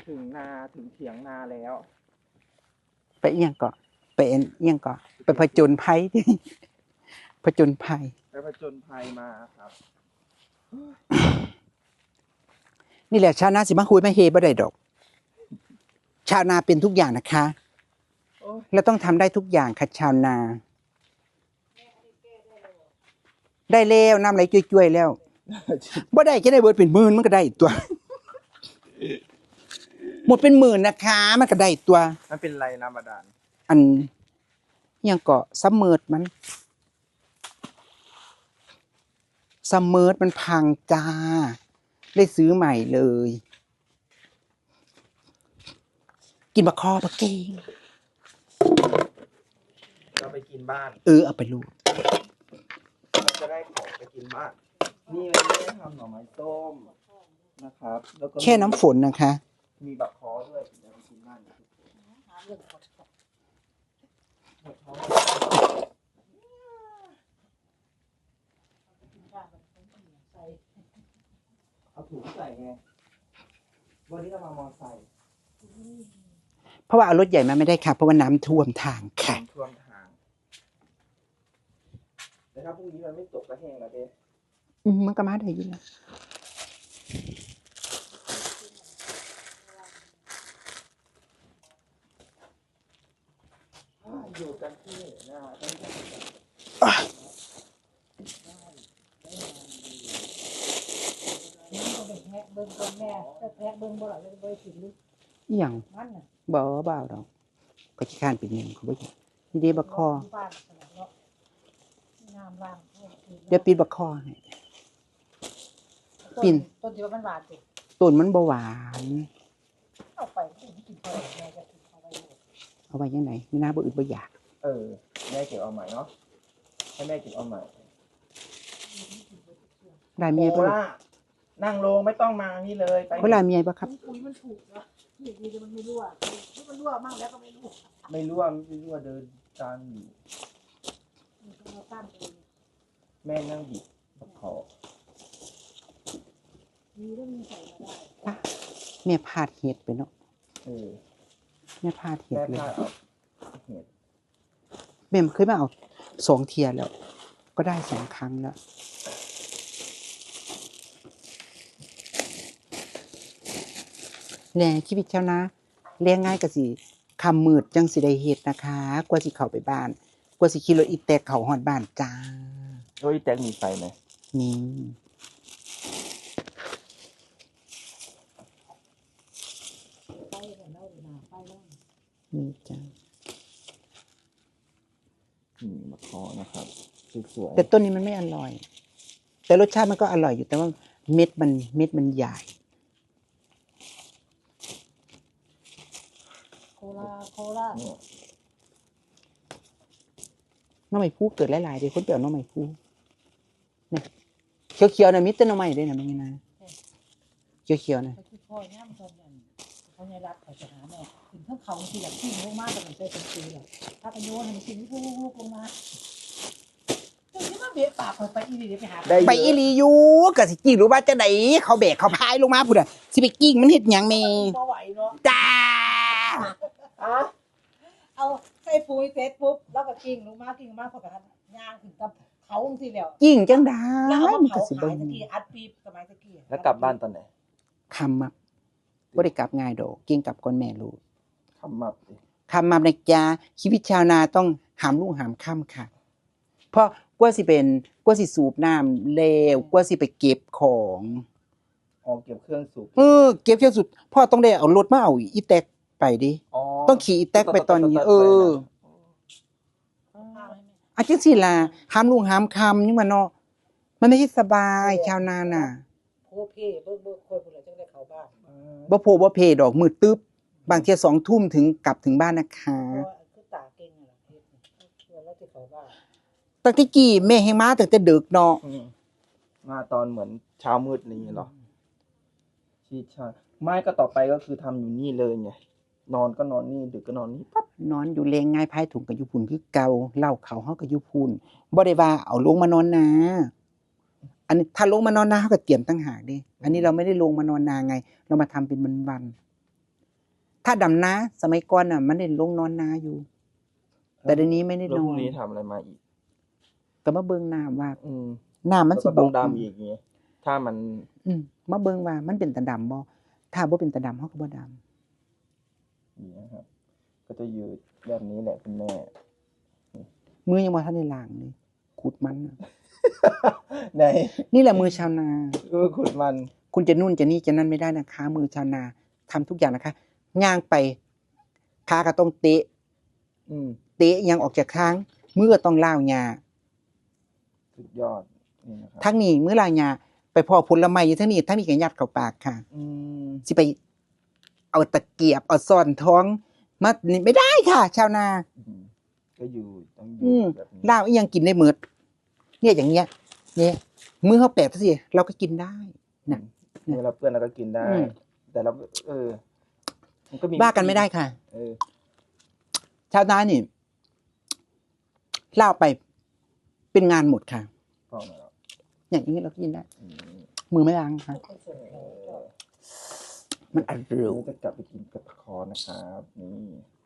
ถึงนาถึงเถียงนาแล้วไปเอียงเกาะไปเอียงเกาะไปผจญภัยผจญภัยไปผจญภัยมาครับนี่แหละชาวนาสิมาคุยมาเฮบ่ได้ดอกชาวนาเป็นทุกอย่างนะคะแล้วต้องทำได้ทุกอย่างค่ะชาวนาได้แล้วน้ำไหลจ้วยๆแล้วบ่ได้จะได้เบิดเป็นหมื่นมันก็ได้ตัวหมดเป็นหมื่นนะคะมันก็ได้ตัวมันเป็นไรน้ำบาดาลอันยังเกาะซัมเมอร์มันซัมเมอร์มันพังจ้าได้ซื้อใหม่เลยกินบะคอบะเก่งเราไปกินบ้านเอาไปลูกจะได้ของไปกินบ้านนี่เลยไม่ได้ทำหน่อไม้ส้มนะครับแล้วก็แค่น้ำฝนนะคะมีบักคอด้วยเดี๋ยวไปกินบ้านเอาถุงใส่ไงวันนี้เรามามอไซค์เพราะว่าเอารถใหญ่มาไม่ได้ค่ะเพราะว่าน้ำท่วมทางค่ะท่วมทางแต่ถ้าพรุ่งนี้มันไม่ตกก็แห้งแล้วเด้มันก็มาได้อยู่นะอยู่กันที่หน้าต้องเบิ่งก่อนแม่จะแทะเบิ่งบ่ล่ะเลยบ่สิลึกอีหยังมันน่ะบ่ดอกก็ขี้ข้านเป็นหยังเขาบ่นี่เด้บักคอน้ำล้างเดี๋ยวปิดบักคอให้ปิ่นต้นที่ว่ามันหวานสิต้นมันบ่หวานเอาไปกินพอแม่จะกินเอาไว้จังได๋มีน้าบ่อึดบ่อยากแม่เก็บเอาใหม่เนาะให้แม่เก็บเอาใหม่ได้เมียบ่นั่งลงไม่ต้องมานี่เลยไปเขาลาเมียบ่ครับปุ๋ยมันถูกนะนี่มันไม่รั่วมันรั่วมั่งแล้วก็ไม่รั่วเดินตามอยู่แม่นั่งบิดขอมีเรื่องมีใส่มาได้แม่พาดเห็ดไปเนาะแม่พาดเห็ดเลยแม่เคยมาเอา2 เที่ยแล้วก็ได้2 ครั้งแล้วแหน่ชีวิตชาวนาเลี้ยงง่ายก็สิค่ำมืดจังสิได้เฮ็ดนะคะกว่าสิเข้าไปบ้านกว่าสิขี่รถอีแตกเข้าฮอดบ้านจ้าอีแตกมีไฟมั้ยมีจ้ามะขอนะครับสวยๆแต่ต้นนี้มันไม่อร่อยแต่รสชาติมันก็อร่อยอยู่แต่ว่าเม็ดมันใหญ่โคลาน้องใหม่ผู้เกิดหลายๆเด้คนเปลี่ยวน้องใหม่ผู้นี่เขียวๆน่ะมีแต่น้องใหม่เด้น่ะแม่นะเขียวๆน่ะพ่อย่ำตอนนั้นเขาใหญ่รัดเขาจะหาแม่ถึงทั้งเขาสิอยากกินลงมาแต่มันเป็นปีแหละถ้าไปโยนให้มันกินลูกลงมาที่มาเบะปากไปอีหลีไปหาไปอีหลีอยู่ก็สิกิ้งรู้ว่าจังได๋เขาแบกเขาพายลงมาพุ่นน่ะสิไปกิ้งมันเฮ็ดหยังแม่บ่ไหวเนาะจ้าเอาใส่ปุ๋ยเสร็จปุ๊บแล้วก็กิ้งลงมาพอกันย่างถึงกับเขาจังซี่แล้วกิ้งจังได๋มันก็สิบ่ตะกี้อัดปีสมัยตะกี้แล้วกลับบ้านตอนไหนค่ำมาบ่ได้กลับง่ายดอกกิ้งกลับก่อนแม่ลูกค่ำมานะจ๊ะชีวิตชาวนาต้องหามรุ่งหามค่ำค่ะเพราะกว่าสิสูบน้ำแล้วกว่าสิไปเก็บของเก็บเครื่องสูบเก็บเครื่องสูบพ่อต้องได้เอารถมาเอาอีแตกไปดิต้องขี่อีแตกไปตอนนี้อาจังซี่ล่ะหามรุ่งหามค่ำยังว่าเนาะมันไม่ใช่สบายชาวนาน่ะโพเพเบิ่งคนพุ่นน่ะจังได้เข้าบ้านบ่โพบ่เพดอกมืดตึ๊บบางเที่ย 20:00 นถึงกลับถึงบ้านนะคะคือตาเก่งน่ะเฮ็ดแล้วสิเข้าบ้านตั้งแต่กี้แม่แฮงมาตั้งแต่ดึกเนาะมาตอนเหมือนเช้ามืดนี่เหรอชีชาไม่ก็ต่อไปก็คือทำอยู่นี่เลยไงนอนก็นอนนี่ดึกก็นอนนี่ปั๊บนอนอยู่เลงง่ายพายถุงก็อยู่พุ่นคือเก่าเหล้าเขาเฮาก็อยู่พุ่นบ่ได้ว่าเอาลงมานอนนาอันนี้ถ้าลงมานอนนาเฮาก็เตรียมต่างหากเด้อันนี้เราไม่ได้ลงมานอนนาไงเรามาทำเป็นวันถ้าดำนาสมัยก่อนน่ะ มันได้ลงนอนนาอยู่ แต่เดี๋ยวนี้ไม่ได้แล้วนพอรุ่งนนี้ทำอะไรมาอีกก็มาเบิ่งน้ำว่าอืมน้ำมันแล้วสิก็ต้องบกดำอีกไงถ้ามันมาเบิ่งว่ามันเป็นตาดำบ่ถ้าบ่เป็นตาดำเฮาก็บ่ดำนี่นะครับ ก็จะอยู่แบบนี้แหละคุณแม่มือยังบ่ทันได้ล้างเลยขุดมันน่ะไหนนี่แหละมือชาวนาขุดมันคุณจะนู่นจะนี่จะนั่นไม่ได้นะคะ มือชาวนาทำทุกอย่างนะคะย่างไปขาก็ต้องเตะอืมเตะยังออกจากทางมือก็ต้องล้าวหญ้าสุดยอดนี่นะครับทั้งนี้มือล้าวหญ้าไปพอผลไม้อยู่ทั้งนี้ทั้งนี้ก็ยัดเข้าปากค่ะอืมสิไปเอาตะเกียบเอาซ่อนท้องมานี่ไม่ได้ค่ะ ชาวนาก็อยู่ต้องออืยู่มแบบนี้ล้าวอีหยังกินได้หมดเนี่ยอย่างเงี้ยเนี่ยมือเฮาแปะสิเราก็กินได้น่ะเมื่อเราเพื่อนเราก็กินได้อืมแต่เรามันก็มีบ้ากันไม่ได้ค่ะเออชาวนานี่เล่าไปเป็นงานหมดค่ะพอมาแล้วอย่างนี้เราก็กินได้อืมมือไม่ล้างค่ะคนส่งเขาก็มันอร่อยนี่จะกลับไปกินกับคอนะครับ นี่